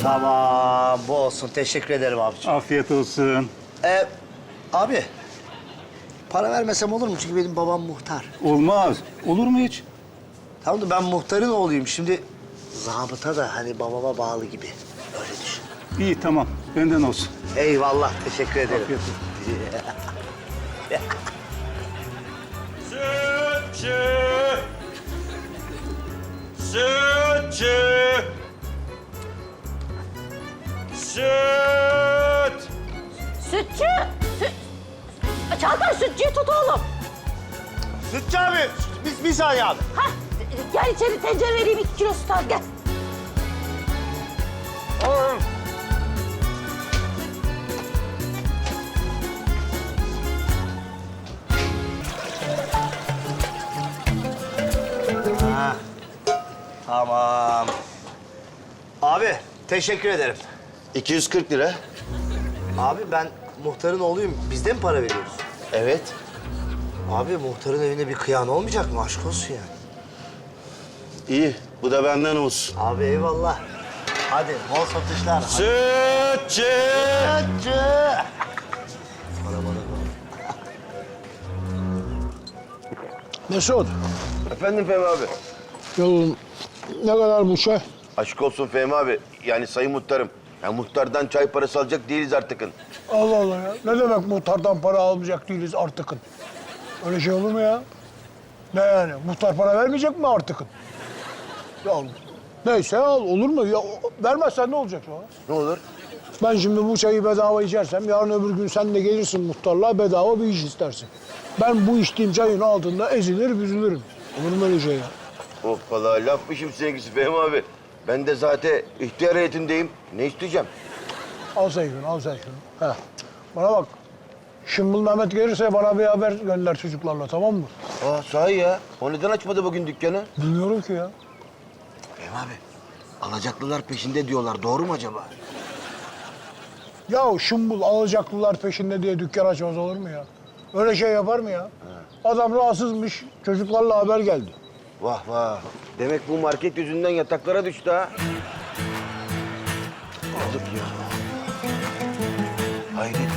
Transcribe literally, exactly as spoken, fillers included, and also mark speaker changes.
Speaker 1: Tamam, bu olsun. Teşekkür ederim abiciğim.
Speaker 2: Afiyet olsun.
Speaker 1: Ee, abi, para vermesem olur mu? Çünkü benim babam muhtar.
Speaker 2: Olmaz. Olur mu hiç?
Speaker 1: Tamam da ben muhtarın oğluyum. Şimdi zabıta da hani babama bağlı gibi. Öyle düşün.
Speaker 2: İyi tamam. Benden olsun.
Speaker 1: Eyvallah, teşekkür ederim.
Speaker 2: Afiyet olsun.
Speaker 3: Sütçü! Sütçü! Süt!
Speaker 4: Sütçü! Süt... Çağatay sütçüyü tut oğlum.
Speaker 1: Sütçü abi, biz bir saniye abi.
Speaker 4: Hah, gel içeri tencere vereyim iki kilo süt al gel.
Speaker 1: Ha, tamam. Abi, teşekkür ederim.
Speaker 5: iki yüz kırk lira.
Speaker 1: Abi ben muhtarın oğluyum. Biz de mi para veriyoruz?
Speaker 5: Evet.
Speaker 1: Abi muhtarın evinde bir kıyan olmayacak mı? Aşk olsun yani.
Speaker 5: İyi. Bu da benden olsun.
Speaker 1: Abi eyvallah. Hadi bol satışlar.
Speaker 3: Sütçü!
Speaker 1: Sütçü!
Speaker 6: Mesut,
Speaker 5: Efendim Fehmi abi.
Speaker 6: yolun ne kadar bu şey?
Speaker 5: Aşk olsun Fehmi abi. Yani sayın muhtarım. Ya muhtardan çay parası alacak değiliz artıkın.
Speaker 6: Allah Allah ya. Ne demek muhtardan para almayacak değiliz artıkın? Öyle şey olur mu ya? Ne yani? Muhtar para vermeyecek mi artıkın? Ya neyse al, olur mu? Ya, vermezsen ne olacak sonra?
Speaker 5: Ne olur?
Speaker 6: Ben şimdi bu çayı bedava içersem yarın öbür gün sen de gelirsin muhtarlığa bedava bir iş istersin. Ben bu içtiğim çayın altında ezilir büzülürüm. Olur mu öyle şey ya?
Speaker 5: Hoppala lafmışım sevgisi Fehmi abi. Ben de zaten ihtiyar heyetindeyim. Ne isteyeceğim?
Speaker 6: Al sen şunu, al sen şunu. Heh. Bana bak. Şımbıl Mehmet gelirse bana bir haber gönder çocuklarla, tamam mı?
Speaker 5: Aa sahi ya. O neden açmadı bugün dükkanı?
Speaker 6: Bilmiyorum ki ya.
Speaker 5: Fehmi abi. Alacaklılar peşinde diyorlar. Doğru mu acaba?
Speaker 6: Ya şımbıl alacaklılar peşinde diye dükkan açmaz olur mu ya? Öyle şey yapar mı ya? Adam rahatsızmış, çocuklarla haber geldi.
Speaker 5: Vah vah. Demek bu market yüzünden yataklara düştü ha. Yazık ya. Hayret